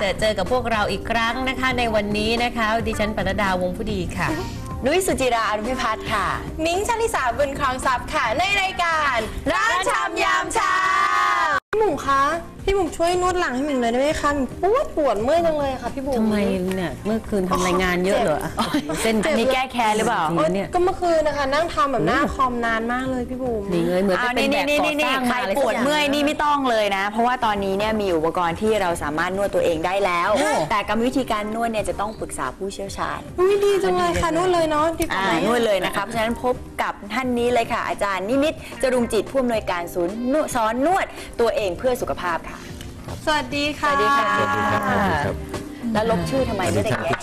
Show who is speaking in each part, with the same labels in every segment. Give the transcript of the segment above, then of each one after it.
Speaker 1: เจอกับพวกเราอีกครั้งนะคะในวันนี้นะคะดิฉันปนัดดาวงผู้ดีค่ะ
Speaker 2: นุ้ยสุจิราอนุพิพัฒน์ค่ะมิ้งชลิสาบุญครองทรัพย์ค่ะในรายการร้านชำยามเช้าพี่บุ๋มคะพี่บุ๋มช่วยนวดหลังให้หมิงเลยได้ไหมคะปวดเมื่อยจังเลยค่ะพี่บุ๋ม
Speaker 1: ทำไมเนี่ยเมื่อคืนทำรายงานเยอะเหรอเส้น
Speaker 2: มีแก้แค้นหรือเปล่าก็เมื่อคืนนะคะนั่งทำแบบหน้าคอมนานมากเลยพี่บุ๋ม
Speaker 1: นี่เลยเหมือนจะเป็นแบบก่อสร้าง
Speaker 2: ใครปวดเมื่อยนี่ไม่ต้องเลยนะเพราะว่าตอนนี้เนี่ยมีอุปกรณ์ที่เราสามารถนวดตัวเองได้แล้วแต่กรรมวิธีการนวดเนี่ยจะต้องปรึกษาผู้เชี่ยวชาญดีจังเลยค่ะนวดเลยเนาะนวดเลยนะคะเพราะฉะนั้นพบกับท่านนี้เลยค่ะอาจารย์นิมิตรจรุงจิตผู้อำนวยการศูนย์สอนนวดตัวเองเพื่อสุขภาพค่ะสวัสดีค่ะสวัสดีค่ะแล้วลบชื่อทำไมไม่ได้แก้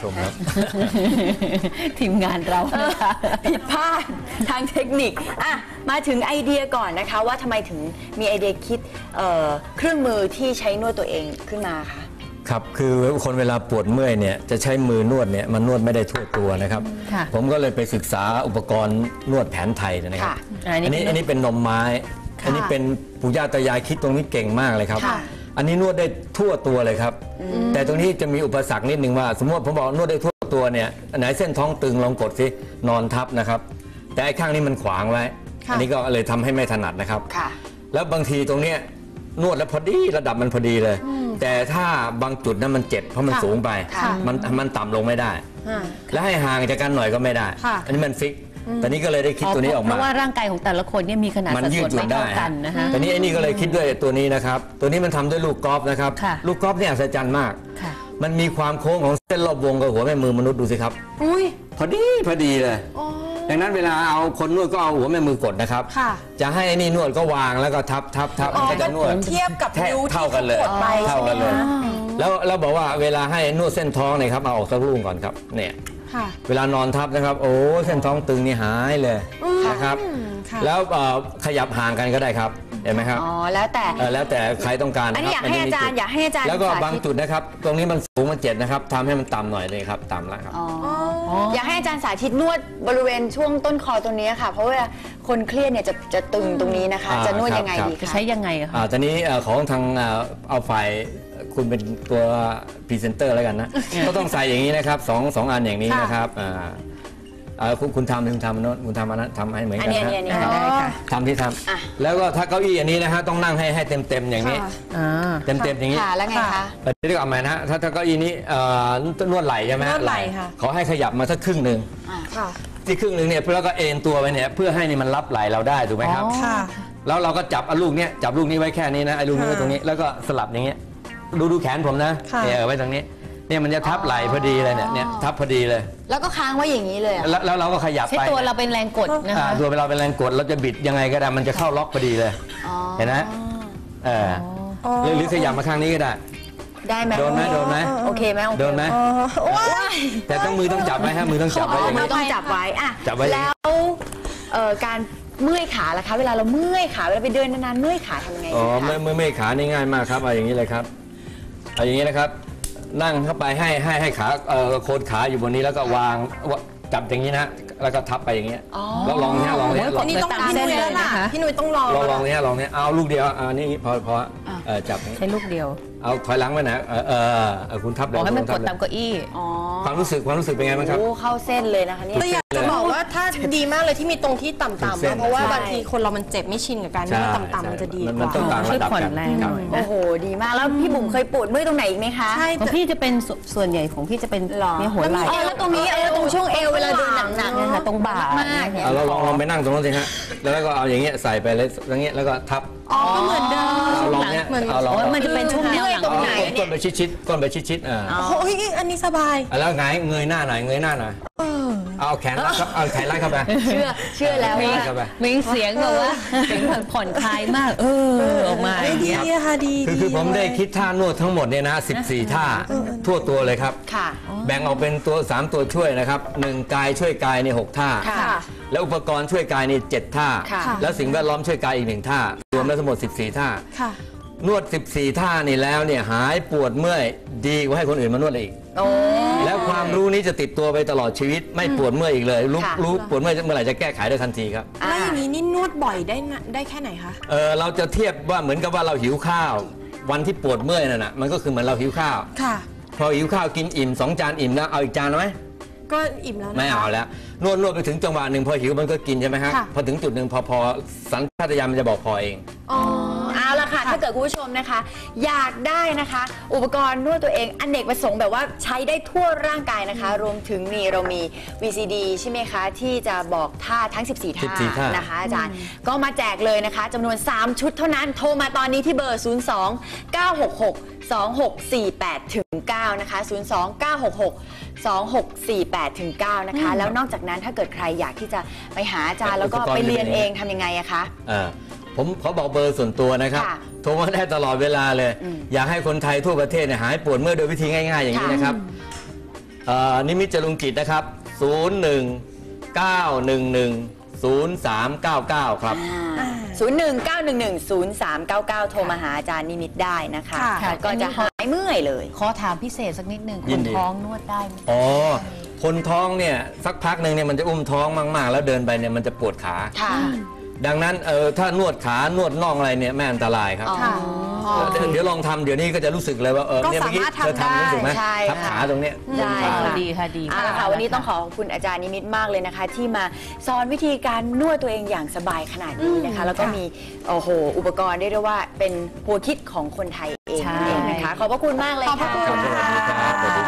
Speaker 1: ทีมงานเรา
Speaker 2: ผิดพลาดทางเทคนิคมาถึงไอเดียก่อนนะคะว่าทำไมถึงมีไอเดียคิดเครื่องมือที่ใช้นวดตัวเองขึ้นมาคะ
Speaker 3: ครับคือคนเวลาปวดเมื่อยเนี่ยจะใช้มือนวดเนี่ยมันนวดไม่ได้ทั่วตัวนะครับผมก็เลยไปศึกษาอุปกรณ์นวดแผนไทยนะครับอันนี้เป็นนมไม้อันนี้เป็นปู่ย่าตายายคิดตรงนี้เก่งมากเลยครับอันนี้นวดได้ทั่วตัวเลยครับแต่ตรงนี้จะมีอุปสรรคนิดนึงว่าสมมติผมบอกนวดได้ทั่วตัวเนี่ยไหนเส้นท้องตึงลองกดสินอนทับนะครับแต่ไอ้ข้างนี้มันขวางไว้อันนี้ก็เลยทำให้ไม่ถนัดนะครับแล้วบางทีตรงเนี้ยนวดแล้วพอดีระดับมันพอดีเลยแต่ถ้าบางจุดนั้นมันเจ็บเพราะมันสูงไปมันต่ำลงไม่ได้แล้วให้ห่างจากกันหน่อยก็ไม่ได้อันนี้มันฟิกตอนนี้ก็เลยได้คิดตัวนี้ออกมา
Speaker 1: เพราะว่าร่างกายของแต่ละคนเนี่ยมีขนาดสัดส่วนไม่เท่ากันนะคะ
Speaker 3: ตอนนี้ไอ้นี่ก็เลยคิดด้วยตัวนี้นะครับตัวนี้มันทำด้วยลูกกอล์ฟนะครับลูกกอล์ฟเนี่ยอัศจรรย์มากมันมีความโค้งของเส้นรอบวงกับหัวแม่มือมนุษย์ดูสิครับพอดีเลยดังนั้นเวลาเอาคนนวดก็เอาหัวแม่มือกดนะครับจะให้ไอ้นี่นวดก็วางแล้วก็ทับก็จะนวด
Speaker 2: เทียบกับนิ้วที่กดไป
Speaker 3: เท่ากันเลยแล้วบอกว่าเวลาให้นวดเส้นท้องเนี่ยครับเอาออกสักลูกก่อนครับเนี่ยเวลานอนทับนะครับโอ้เส้นท้องตึงนี่หายเลยนะครับแล้วขยับห่างกันก็ได้ครับเห็นไหมครับ
Speaker 2: แล้ว
Speaker 3: แต่ใครต้องการ
Speaker 2: อันนี้อยากให้อาจารย์
Speaker 3: แล้วก็บางจุดนะครับตรงนี้มันสูงมัน7นะครับทำให้มันต่ำหน่อยเลยครับต่ำแล้วครับ
Speaker 2: อยากให้อาจารย์สาธิตนวดบริเวณช่วงต้นคอตรงนี้ค่ะเพราะว่าคนเครียดเนี่ยจะตึงตรงนี้นะคะจะนวดยังไงดี
Speaker 1: จะใช้ยังไงคะ
Speaker 3: ตอนนี้ของทางเอาฝ่ายคุณเป็นตัวพรีเซนเตอร์แล้วกันนะก็ต้องใส่อย่างนี้นะครับสองอันอย่างนี้นะครับคุณทำอันนั้นทำให้เหมือนกันนะทำที่ทำแล้วก็ถ้าเก้าอี้อันนี้นะฮะต้องนั่งให้เต็มอย่างนี้เต็มอย่างนี้
Speaker 2: แล้วไงคะ
Speaker 3: เรียกว่าอะไรนะถ้าเก้าอี้นี้นวดไหล่ใช่ไหม
Speaker 2: นวดไหล่ค่ะ
Speaker 3: ขอให้ขยับมาสักครึ่งหนึ่งที่ครึ่งหนึ่งเนี่ยแล้วก็เอ็นตัวไปเนี่ยเพื่อให้นี่มันรับไหล่เราได้ถูกไหมครับแล้วเราก็จับลูกนี้จับลูกนี้ไว้แค่นี้นะไอ้ลูกนี้ไว้ตรงนี้แล้วก็สลับอย่างเงี้ยดูแขนผมนะเนี่ยไว้ตรงนี้เนี่ยมันจะทับไหล่พอดีเลยเนี่ยทับพอดีเลย
Speaker 2: แล้วก็ค้างไว้อย่างนี้เลย
Speaker 3: แล้วเราก็ขยับไป
Speaker 1: ตัวเราเป็นแรงกดนะคะ
Speaker 3: ตัวเราเป็นแรงกดเราจะบิดยังไงก็ได้มันจะเข้าล็อกพอดีเลยเห็นไหมหรือขยับมาข้างนี้ก็ได้ไหมโดนไหม
Speaker 2: โอเคไหม
Speaker 3: โดนไหมแต่มือต้องจับไว้ฮะมือต้องจับไว้อย่างนี้
Speaker 2: ต้องจับไว้แล้วการเมื่อยขาล่ะคะเวลาเราเมื่อยขาเวลาไปเดินนานๆเมื่อยขาทำไง
Speaker 3: เมื่อยขานี่ง่ายมากครับเอาอย่างนี้เลยครับเอาอย่างนี้นะครับนั่งเข้าไปให้ขาโคนขาอยู่บนนี้แล้วก็วางจับอย่างนี้นะแล้วก็ทับไปอย่างเงี้ยแล้วลองเนี่ย
Speaker 2: อันนี้ต้องพี่นุ้ยแล้วล่ะพี่นุ้ยต้องล
Speaker 3: องเนี่ยเอาลูกเดียวนี่พอจับ
Speaker 1: ใช้ลูกเดียว
Speaker 3: เอาถอยหลังไปนะคุณทับ
Speaker 1: เลยให้มันกดตามเก้าอี้
Speaker 3: ความรู้สึกเป็นไงบ้างครับ
Speaker 2: เข้าเส้นเลยนะคะนี่อยากจะบอกว่าถ้าดีมากเลยที่มีตรงที่ต่ำๆเพราะว่าบางทีคนเรามันเจ็บไม่ชินกับการนวดต่ำๆมันจะดีกว่า
Speaker 1: ช่วยผ่อนแรงหน่อย
Speaker 2: โอ้โหดีมากแล้วพี่บุ๋มเคยปวดเมื่อยตรงไหนอีกไหมคะ
Speaker 1: ใช่ของพี่จะเป็นส่วนใหญ่ของพี่จะเป็นเนี่ยหัวไหล่
Speaker 2: แล้วตรงนี้ตรงช่วงเอวเวลาเดินหนักๆเนี่ยค่ะตรงบ่ามาก
Speaker 3: เราลองไปนั่งตรงนั้นสิฮะแล้วก็เอาอย่างเงี้ยใส่ไปเลยอย่างเงี้ยแล้วก็ทับ
Speaker 2: ก็เหมือนเดิม
Speaker 1: มันจะเป็นช่วงแนวหลัง
Speaker 3: ตรงไหนก้นไปชิด
Speaker 2: โอ้ยอันนี้สบาย
Speaker 3: แล้วไงเงยหน้าหน่อยเอาแขนรัดครับเอาแขนรัดเข้าไป
Speaker 2: เชื่อแล้ว
Speaker 1: มีเสียงแบบว่าเสียงผ่อนคลายมากออกมา
Speaker 2: ดีค่ะดี
Speaker 3: คือผมได้คิดท่านวดทั้งหมดเนี่ยนะ14ท่าทั่วตัวเลยครับแบ่งออกเป็นตัว3ตัวช่วยนะครับ1กายช่วยกายใน6ท่าแล้วอุปกรณ์ช่วยกายใน7ท่าแล้วสิ่งแวดล้อมช่วยกายอีก1ท่ารวมแล้วทั้งหมด14ท่านวด14ท่านี่แล้วเนี่ยหายปวดเมื่อยดีกว่าให้คนอื่นมานวดอีกแล้วความรู้นี้จะติดตัวไปตลอดชีวิตไม่ปวดเมื่อยอีกเลยรู้ปวดเมื่อยเมื่อไหร่จะแก้ไขได้ทันทีครับ
Speaker 2: แล้วอย่างนี้นี่นวดบ่อยได้แค่ไหนคะ
Speaker 3: เราจะเทียบว่าเหมือนกับว่าเราหิวข้าววันที่ปวดเมื่อยนั่นน่ะมันก็คือเหมือนเราหิวข้าวพอหิวข้าวกินอิ่ม2 จานอิ่มแล้วเอาอีกจานไหม
Speaker 4: ก็อิ่มแล้วนะคะ
Speaker 3: ไม่เอาแล้วนวดไปถึงจังหวะหนึ่งพอหิวมันก็กินใช่ไหมฮะพอถึงจุดหนึ่งพอสัญชาตญาณมันจะบอกพอเอง
Speaker 2: เอาละค่ะถ้าเกิดคุณผู้ชมนะคะอยากได้นะคะอุปกรณ์นวดตัวเองอเนกประสงค์แบบว่าใช้ได้ทั่วร่างกายนะคะรวมถึงนี่เรามี VCD ใช่ไหมคะที่จะบอกท่าทั้ง14 ท่านะคะอาจารย์ก็มาแจกเลยนะคะจำนวน3 ชุดเท่านั้นโทรมาตอนนี้ที่เบอร์ 02-966-2648-9 นะคะ 02-966-2648-9 นะคะแล้วนอกจากนั้นถ้าเกิดใครอยากที่จะไปหาอาจารย์แล้วก็ไปเรียนเองทำยังไงอะคะ
Speaker 3: ผมขอบอกเบอร์ส่วนตัวนะครับโทรมาได้ตลอดเวลาเลยอยากให้คนไทยทั่วประเทศหายปวดเมื่อยโดยวิธีง่ายๆอย่างนี้นะครับนิมิตจรุงกิจนะครับ01-911-0399 ครับ
Speaker 2: 01-911-0399 โทรมาหาอาจารย์นิมิตได้นะคะก็จะหายเมื่อยเลย
Speaker 1: ขอถามพิเศษสักนิดหนึ่งคนท้องนวดได้ไหม
Speaker 3: คนท้องเนี่ยสักพักหนึ่งเนี่ยมันจะอุ้มท้องมากๆแล้วเดินไปเนี่ยมันจะปวดขาดังนั้นถ้านวดขานวดน่องอะไรเนี่ยไม่อันตรายครับเดี๋ยวลองทำเดี๋ยวนี้ก็จะรู้สึกเลยว่าเนี่ยเมื่อกี้เธอทำรู้สึกไหมทับขาตรงเนี้ย
Speaker 2: ได้
Speaker 1: ดีค่ะดี
Speaker 2: ค่ะวันนี้ต้องขอบคุณอาจารย์นิมิตมากเลยนะคะที่มาสอนวิธีการนวดตัวเองอย่างสบายขนาดนี้นะคะแล้วก็มีอุปกรณ์ได้เรียกว่าเป็นหัวคิดของคนไทยเองนะคะขอบพระคุณมากเลยค่ะ